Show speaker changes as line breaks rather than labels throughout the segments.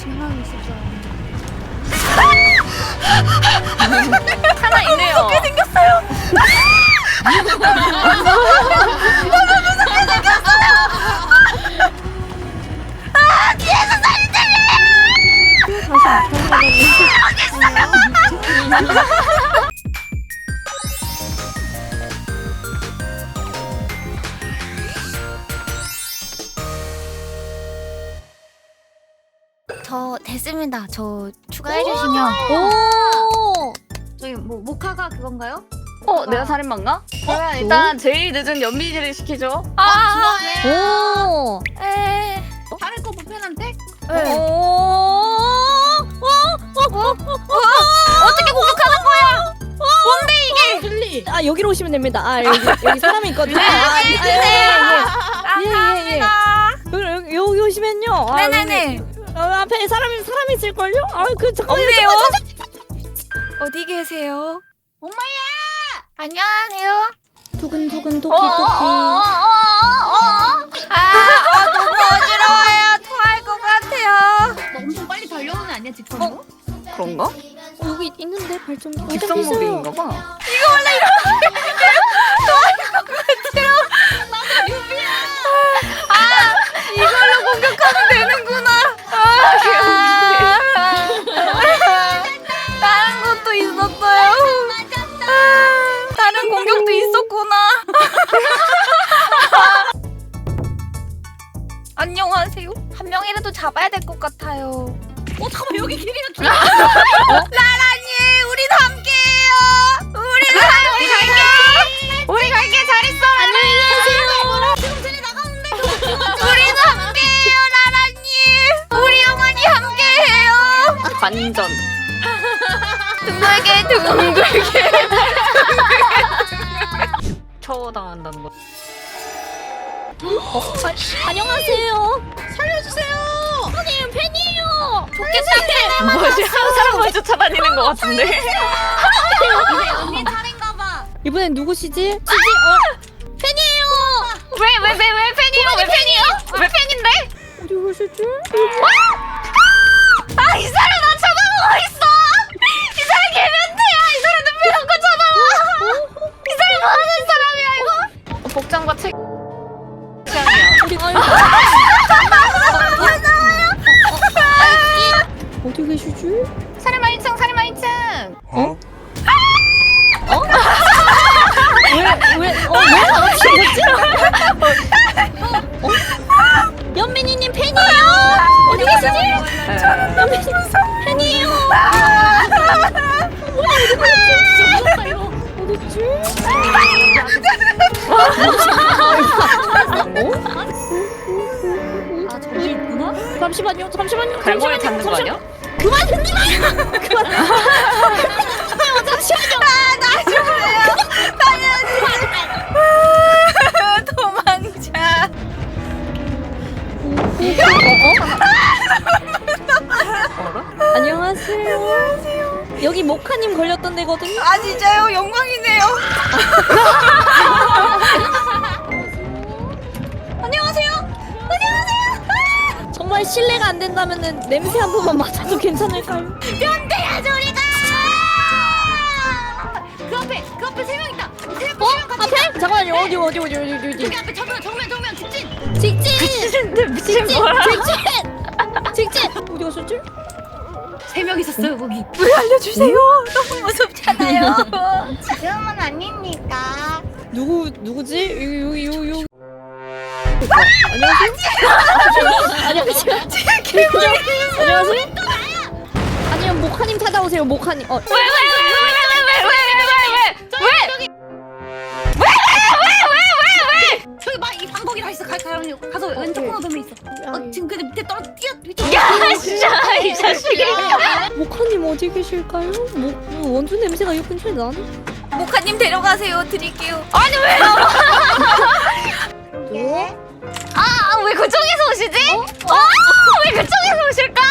신랑이 있었어요.
하나 있네요.
무섭게 생겼어요. 너무 무섭게 생겼어요. 아, 뒤에서 소리 들려요. 다시 저 됐습니다. 저 추가해 주시면. 오. 저희 뭐 모카가 그건가요?
내가 살인마인가? 그러면 일단 제일 늦은 연미지를 시키죠.
오. 에.
다른 거 보편한테?
네. 어떻게 공격하는 거야? 뭔데 이게?
힐리.
아 여기로 오시면 됩니다. 아 여기 사람이 있거든요. 여기 오시면요. 아,
네네네.
앞에 사람이 있을걸요? 아 그 잠깐만요.
없네요. 어디 계세요?
엄마야.
안녕하세요.
두근두근 토끼
너무 어지러워요. 토할 것 같아요.
너 엄청 빨리 달려오는 애 아니야 직선으로?
그런가?
여기 있는데 발전기.
직선무빙인가 봐.
이걸로 공격하면 되는구나. 다른 것도 있었어요. 다른 공격도 있었구나. 안녕하세요. 한 명이라도 잡아야 될 것 같아요.
잠깐만 여기 길이가 좀.
라라님, 우리도 함께해요. 우리도 함께 갈게. 우리 갈게. 잘 있어. 안녕히 계세요.
지금 쟤네 나가는데.
우리도 함께해요, 라라님. 우리 영원히 함께해요.
관전.
둥글게 둥글게.
처당한다는 거.
안녕하세요.
살려주세요.
선생님 팬이에요.
좋겠다.
뭐지? 사람 먼저 찾아다니는 것 같은데.
이제 언니 차례인가 봐.
이번엔 누구시지?
팬이에요. 왜 팬이에요? 왜 팬이에요? 왜 팬인데?
어디 오셨지?
아, 이 사람 나 쳐다보고 있어. 이 사람 개면태야. 이 사람 눈빛 놓고 쳐다봐. 이 사람 뭐 하는 사람이야 이거?
복장과 책.
우리 어디 계시지?
살인마 1층, 살인마 1층.
왜 연민이님 팬이에요. 어디 계시지? 연민이 팬이에요. 어딨지?
아 저기 있구나.
잠시만요.
갈고리 찾는 거 아니야?
그만 듣지 마요. 그만. 잠시만요.
나 죽어요. 도망자.
안녕하세요. 여기 모카님 걸렸던 데거든요.
아 진짜요? 영광이네요.
정말 실례가 안 된다면은 냄새 한 번만 맡아도 괜찮을까요?
변태야 저리가.
그 앞에 3명 있다.
앞에? 잠깐만요. 어디?
저기 앞에 정면 직진.
직진 어디 갔었지?
3명 있었어요 거기.
왜 알려주세요? 너무 무섭잖아요.
지금은 아닙니까?
누구지? 여기. 안녕하세요. 안녕하세요. 아니요 모카님 찾아오세요. 모카님.
왜?
저기 막 이 방거기라 있어. 가서 왼쪽 코너 도면 있어. 지금 그 밑에 떨어 뛰어.
야 진짜 이 자식이.
모카님 어디 계실까요? 원주 냄새가 이 근처에 나네.
모카님 데려가세요. 드릴게요. 아니 왜요?
예?
왜 그쪽에서 오시지? 왜 그쪽에서 오실까?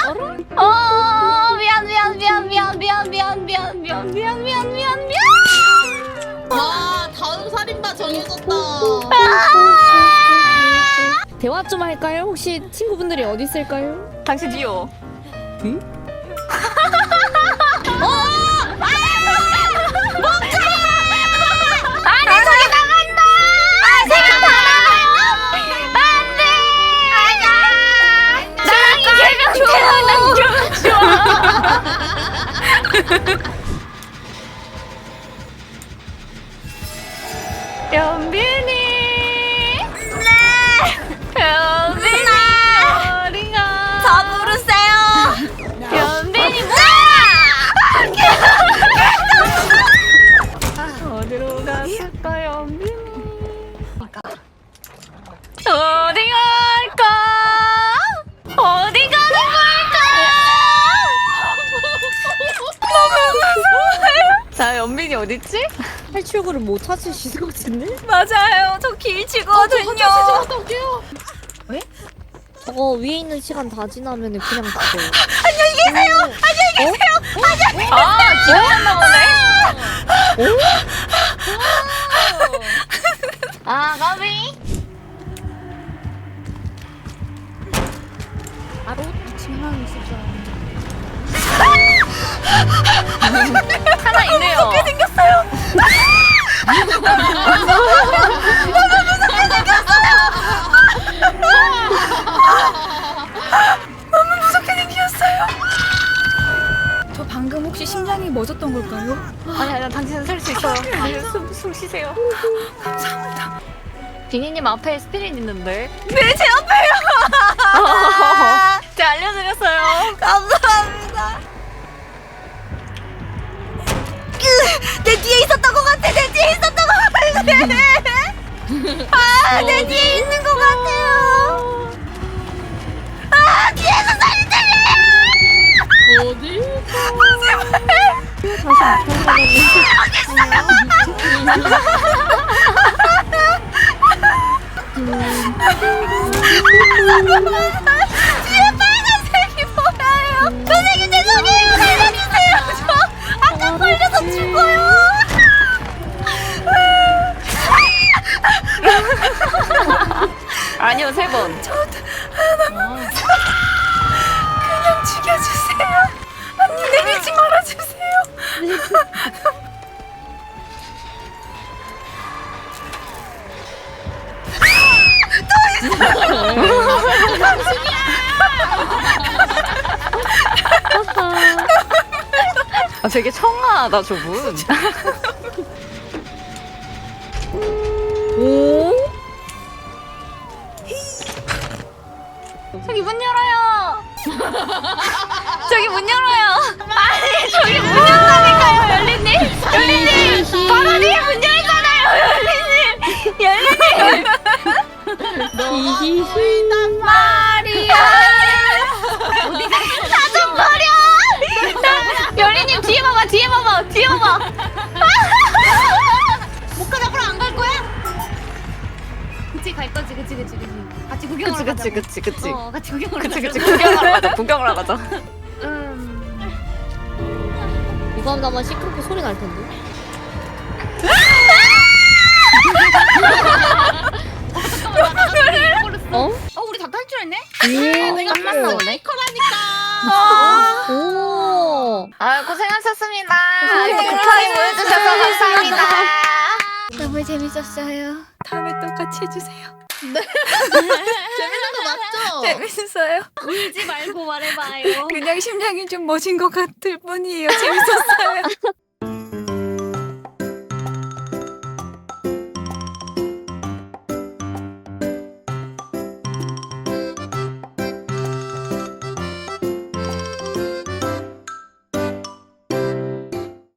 미안.
와 다음 살인마 정해졌다.
대화 좀 할까요? 혹시 친구분들이 어디 있을까요?
당신 뒤요.
어디?
아니 저기 나간다. 아 제가 다 나가요. 안돼. 아니야. 나이 개명
연빈이.
네.
연빈이 어디가?
저 부르세요.
연빈이 어디로 갔을까 연빈이? 어디 갈까? 어디 가는 걸까? 너무 무서워요. 자 연빈이 어딨지?
탈출구를 못 찾으실 것 같은데?
맞아요. 저 길치거든요.
저거 위에 있는 시간 다 지나면 그냥 죽어요.
안녕히 계세요. 안녕히 계세요.
아 기억났나 보네. 아 가비.
바로 2층에 있을 줄 알았는데.
하나 있네요.
무섭게 생겼어요. 너무 무섭게 생겼어요. 저 방금 혹시 심장이 멎었던 걸까요?
아니 당신은 살 수 있어요. 숨 쉬세요.
감사합니다.
비니님 앞에 스피릿 있는데.
네, 제 앞에요.
제가 알려드렸어요.
감사합니다. 내 뒤에 있었던 것 같아. 내 뒤에 있었던 것 같아. 아, 내 뒤에 있는 것 같아요. 아, 뒤에서 소리 들려요.
어디?
제발. 뒤에 빨간색이 보여요. 선생님 죄송해요. 살려주세요. 저 아까 걸려서 죽어요.
아니요 3번.
그냥 죽여주세요. 언니 내리지 말아주세요.
아 되게 청아하다 저분.
오?
저기 문 열어요. 저기 문 열어요. 아니 저기 문 열다니까요 열리님. 열리님 바로 뒤에 문 열잖아요 열리님. 열리님.
히히히.
말이야. 나좀 버려.
열리님 뒤에 봐봐 뒤에 봐봐 뒤에 봐봐.
목가 잡으러 안 갈 거야? 그치 갈 거지 그치. 같이 구경하러 가자.
그치.
같이 구경하러
그치
가자.
구경하러 가자 구경하러 가자.
이거 하면 아마 시끄럽게 소리 날 텐데. 어?
우리 다 탈출했네?
내가
끝났나 보네.
오.
아 고생하셨습니다. 이렇게
고생하셨습니다.
극하게 보여주셔서 감사합니다.
너무 재밌었어요. 다음에 또 같이 해주세요.
재밌는 거 맞죠?
재밌어요.
울지 말고 말해봐요.
그냥 심장이 좀 멎은 것 같을 뿐이에요. 재밌었어요.